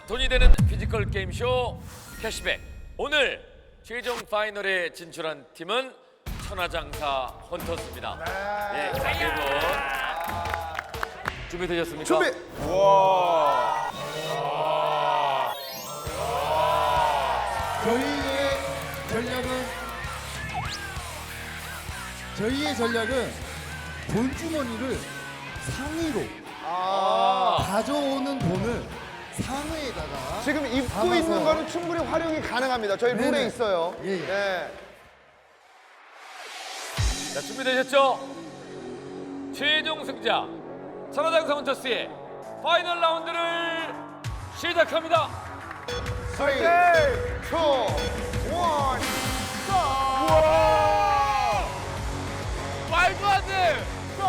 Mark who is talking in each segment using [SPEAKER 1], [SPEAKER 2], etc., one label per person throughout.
[SPEAKER 1] 돈이 되는 피지컬 게임쇼 캐시백. 오늘 최종 파이널에 진출한 팀은 천하장사 헌터스입니다. 예, 자, 세 분. 준비되셨습니까?
[SPEAKER 2] 준비.
[SPEAKER 3] 저희의 전략은 돈주머니를 상의로 가져오는 돈을 상의에다가
[SPEAKER 2] 지금 입고
[SPEAKER 3] 담아서.
[SPEAKER 2] 있는 거는 충분히 활용이 가능합니다. 저희 룰에
[SPEAKER 3] 네네.
[SPEAKER 2] 있어요.
[SPEAKER 3] 예, 예.
[SPEAKER 2] 네.
[SPEAKER 1] 자, 준비되셨죠? 최종 승자 천하장사 헌터스의 파이널 라운드를 시작합니다.
[SPEAKER 2] 3, 2, 1,
[SPEAKER 1] 말도 안 돼!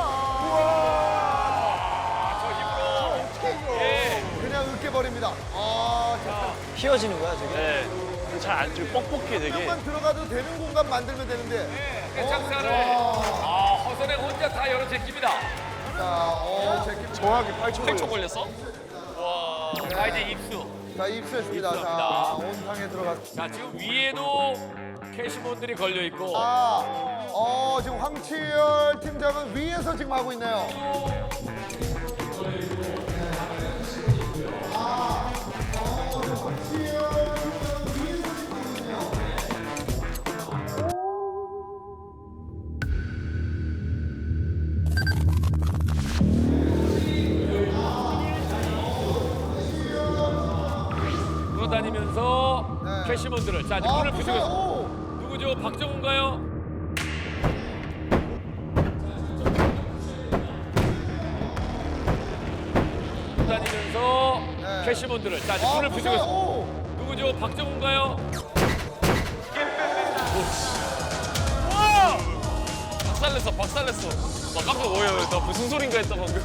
[SPEAKER 2] 그냥 으깨버립니다.
[SPEAKER 4] 휘어지는 거야 저게?
[SPEAKER 1] 네.
[SPEAKER 4] 잘안 뻑뻑해 되게.
[SPEAKER 2] 조금만 들어가도 되는 공간 만들면 되는데.
[SPEAKER 1] 장사를 허선에 혼자 다 열어 제낍니다.
[SPEAKER 2] 자, 제끼 정확히
[SPEAKER 4] 8초 걸렸어?
[SPEAKER 1] 자, 이제 입수.
[SPEAKER 2] 자, 입수했습니다. 자,
[SPEAKER 1] 입수합니다.
[SPEAKER 2] 온탕에 들어갔.
[SPEAKER 1] 자, 지금 위에도 캐시몬들이 걸려 있고
[SPEAKER 2] 지금 황치열 팀장은 위에서 지금 하고 있네요.
[SPEAKER 1] 돌아다니면서
[SPEAKER 2] 네.
[SPEAKER 1] 캐시몬들을 자, 이제 문을 부수고 있습니다.
[SPEAKER 2] 오!
[SPEAKER 1] 누구죠? 박정훈가요? 다니면서
[SPEAKER 2] 네.
[SPEAKER 1] 캐시몬들을 자, 이제 문을 부수고 있습니다.
[SPEAKER 2] 오!
[SPEAKER 1] 누구죠? 박정훈가요?
[SPEAKER 4] 박살냈어. 나 깜짝 놀라요. 나 무슨 소린가 했다 방금.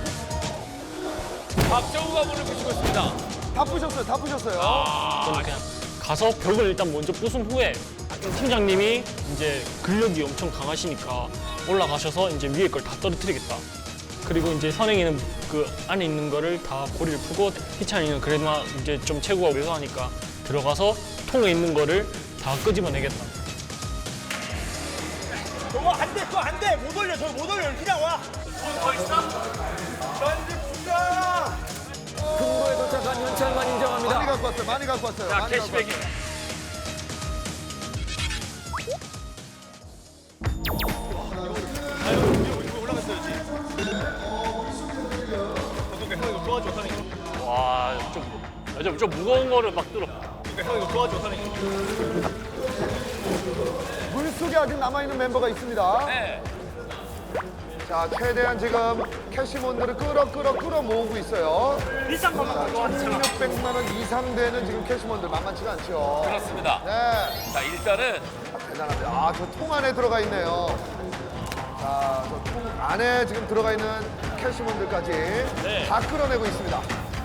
[SPEAKER 1] 박정훈가 문을 부수고 있습니다.
[SPEAKER 2] 다 부셨어요. 다 부셨어요.
[SPEAKER 5] 저는 그냥 가서 벽을 일단 먼저 부순 후에 팀장님이 이제 근력이 엄청 강하시니까 올라가셔서 이제 위에 걸 다 떨어뜨리겠다. 그리고 이제 선행이는 그 안에 있는 거를 다 고리를 풀고 희찬이는 그래도 이제 좀 체구가 왜소하니까 들어가서 통에 있는 거를 다 끄집어내겠다.
[SPEAKER 6] 저거 안 돼, 그거 안 돼. 못 올려, 저거 못 올려. 그냥 와.
[SPEAKER 1] 금고에 도착한 현찰만 인정합니다.
[SPEAKER 2] 많이 갖고 왔어요. 많이 갖고 왔어요.
[SPEAKER 1] 자,
[SPEAKER 2] 많이 갖고
[SPEAKER 1] 캐시백이.
[SPEAKER 2] 왔어요.
[SPEAKER 5] 와, 좀 무거운 거를 막 들어.
[SPEAKER 2] 물속에 아직 남아있는 멤버가 있습니다.
[SPEAKER 1] 네.
[SPEAKER 2] 자, 최대한 지금 캐시몬들을 끌어 모으고 있어요.
[SPEAKER 6] 비싼 것만
[SPEAKER 2] 자,
[SPEAKER 6] 가져와.
[SPEAKER 2] 1,600만 원 이상 되는 지금 캐시몬들 만만치가 않죠.
[SPEAKER 1] 그렇습니다.
[SPEAKER 2] 네,
[SPEAKER 1] 자, 일단은
[SPEAKER 2] 대단합니다. 저 통 안에 들어가 있네요. 자, 저 통 안에 지금 들어가 있는 캐시몬들까지 다 끌어내고 있습니다.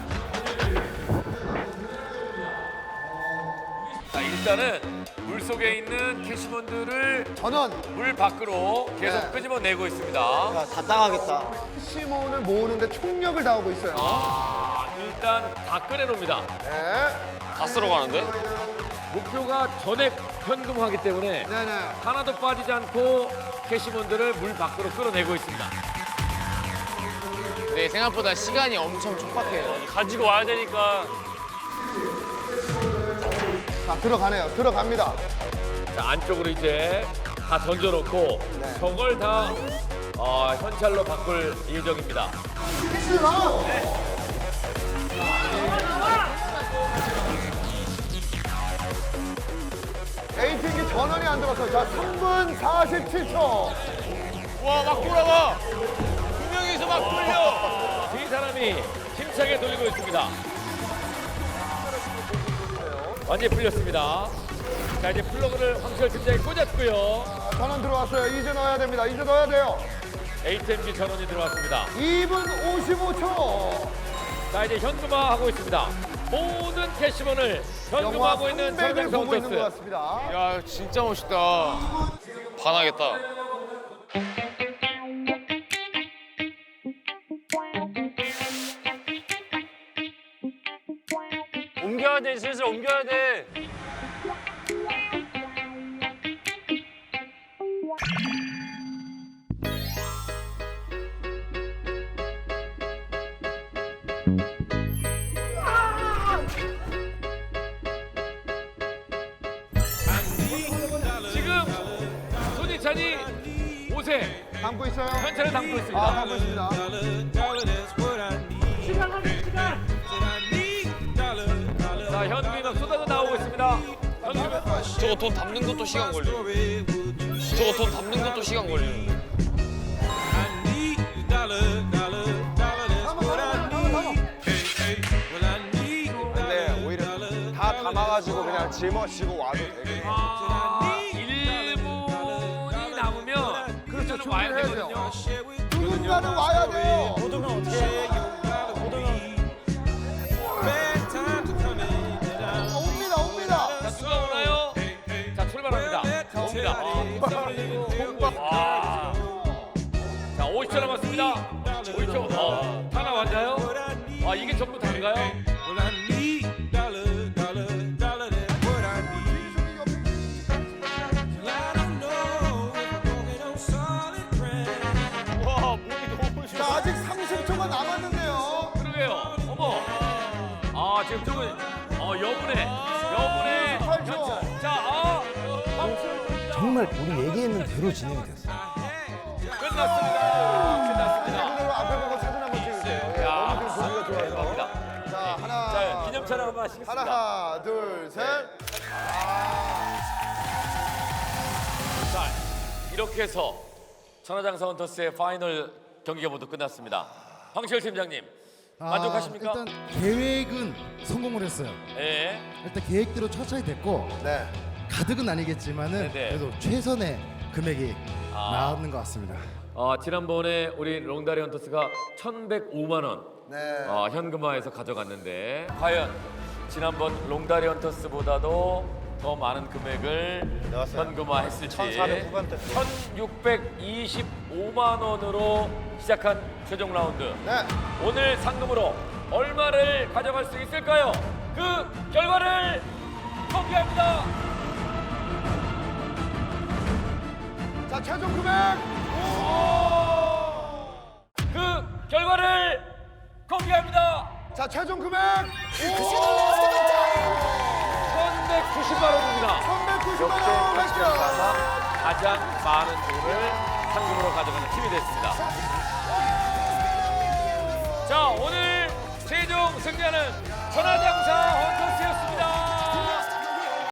[SPEAKER 1] 자, 일단은 물 속에 있는 캐시몬들을
[SPEAKER 2] 전원
[SPEAKER 1] 물 밖으로 계속
[SPEAKER 2] 네.
[SPEAKER 1] 끄집어내고 있습니다.
[SPEAKER 4] 야, 다 따가겠다.
[SPEAKER 2] 캐시몬을 모으는데 총력을 다하고 있어요.
[SPEAKER 1] 일단 다 꺼내놓습니다.
[SPEAKER 2] 네,
[SPEAKER 5] 다 쓸어 가는데?
[SPEAKER 1] 목표가 전액 현금화기 때문에
[SPEAKER 2] 네네.
[SPEAKER 1] 하나도 빠지지 않고 캐시몬들을 물 밖으로 끌어내고 있습니다.
[SPEAKER 4] 네, 생각보다 시간이 엄청 촉박해요.
[SPEAKER 5] 가지고 와야 되니까.
[SPEAKER 2] 자, 들어갑니다.
[SPEAKER 1] 자, 안쪽으로 이제 다 던져놓고 저걸 다 현찰로 바꿀 예정입니다.
[SPEAKER 2] A팀이 전원이 안 들어왔어요. 자, 3분 47초.
[SPEAKER 4] 와, 막 돌아와. 두 명이서 막 돌려.
[SPEAKER 1] 두 사람이 힘차게 돌리고 있습니다. 완전히 풀렸습니다. 자, 이제 플러그를 황철 팀장이 꽂았고요.
[SPEAKER 2] 전원 들어왔어요. 이제 넣어야 됩니다. 이제 넣어야 돼요.
[SPEAKER 1] ATM기 전원이 들어왔습니다.
[SPEAKER 2] 2분 55초.
[SPEAKER 1] 자, 이제 현금화하고 있습니다. 모든 캐시본을
[SPEAKER 2] 영화
[SPEAKER 1] 현금화하고 있는
[SPEAKER 2] 컴백을
[SPEAKER 1] 천장성
[SPEAKER 2] 보고 있는 것
[SPEAKER 1] 헌터스.
[SPEAKER 2] 같습니다.
[SPEAKER 4] 야, 진짜 멋있다. 반하겠다. 옮겨야 돼, 슬슬 옮겨야 돼.
[SPEAKER 1] 지금 손희찬이 옷에
[SPEAKER 2] 담고 있어요?
[SPEAKER 1] 현찰을 담고 있습니다.
[SPEAKER 2] 아, 담고 있습니다.
[SPEAKER 1] 자, 현금이 막 쏟아져 나오고 있습니다. 현금이
[SPEAKER 4] 저거 돈 담는 것도 시간 걸려. 저거 돈 담는 것도 시간 걸려.
[SPEAKER 7] 근데 오히려 다 담아가지고 그냥 짊어지고 와도 되겠네.
[SPEAKER 1] 1분이 남으면 그렇죠. 와야
[SPEAKER 2] 준비를 해야 돼요.
[SPEAKER 1] 되거든요.
[SPEAKER 2] 누군가는 와야 돼요.
[SPEAKER 6] 못 오면 어떻게 해? 못 오면
[SPEAKER 2] 옵니다, 옵니다.
[SPEAKER 1] 자, 누가 오나요? 자, 출발합니다. 자, 옵니다. 와. 자, 50초 남았습니다. 50초. 다 나왔나요? 아, 이게 전부 다인가요?
[SPEAKER 2] 자, 아직 30초가 남았는데요.
[SPEAKER 1] 그러게요. 어머. 아, 지금 조금 여분의
[SPEAKER 2] 18초.
[SPEAKER 1] 자,
[SPEAKER 8] 정말 우리 얘기했는 대로 진행이 됐어요.
[SPEAKER 1] 끝났습니다. 끝났습니다.
[SPEAKER 2] 그대로 앞에 보고 사진 한번 찍으세요. 예,
[SPEAKER 1] 야,
[SPEAKER 2] 너무 지금 보기가 좋아서.
[SPEAKER 1] 감사합니다.
[SPEAKER 2] 자, 하나.
[SPEAKER 1] 자, 기념 촬영 한번 하시겠습니다.
[SPEAKER 2] 하나, 둘, 셋.
[SPEAKER 1] 자, 이렇게 해서 천하장사 헌터스의 파이널 경기가 모두 끝났습니다. 황시열 팀장님, 만족하십니까?
[SPEAKER 3] 일단 계획은 성공을 했어요.
[SPEAKER 1] 예.
[SPEAKER 3] 일단 계획대로 천천히 됐고
[SPEAKER 2] 네.
[SPEAKER 3] 가득은 아니겠지만은
[SPEAKER 1] 네네.
[SPEAKER 3] 그래도 최선의 금액이
[SPEAKER 1] 아.
[SPEAKER 3] 나왔는 것 같습니다.
[SPEAKER 1] 지난번에 우리 롱다리 헌터스가 1,105만 원
[SPEAKER 2] 네.
[SPEAKER 1] 현금화해서 가져갔는데 과연 지난번 롱다리 헌터스보다도 더 많은 금액을 현금화했을지
[SPEAKER 7] 1,400 후반대.
[SPEAKER 1] 1,625만 원으로 시작한 최종 라운드.
[SPEAKER 2] 네.
[SPEAKER 1] 오늘 상금으로 얼마를 가져갈 수 있을까요? 그 결과를 공개합니다.
[SPEAKER 2] 자, 최종 금액.
[SPEAKER 1] 그 결과를 공개합니다.
[SPEAKER 2] 자, 최종 금액.
[SPEAKER 1] 1,190만 원입니다.
[SPEAKER 2] 390만 원 했습니다.
[SPEAKER 1] 가장 많은 돈을 상금으로 가져가는 팀이 됐습니다. 자, 오늘 최종 승자는 천하장사 헌터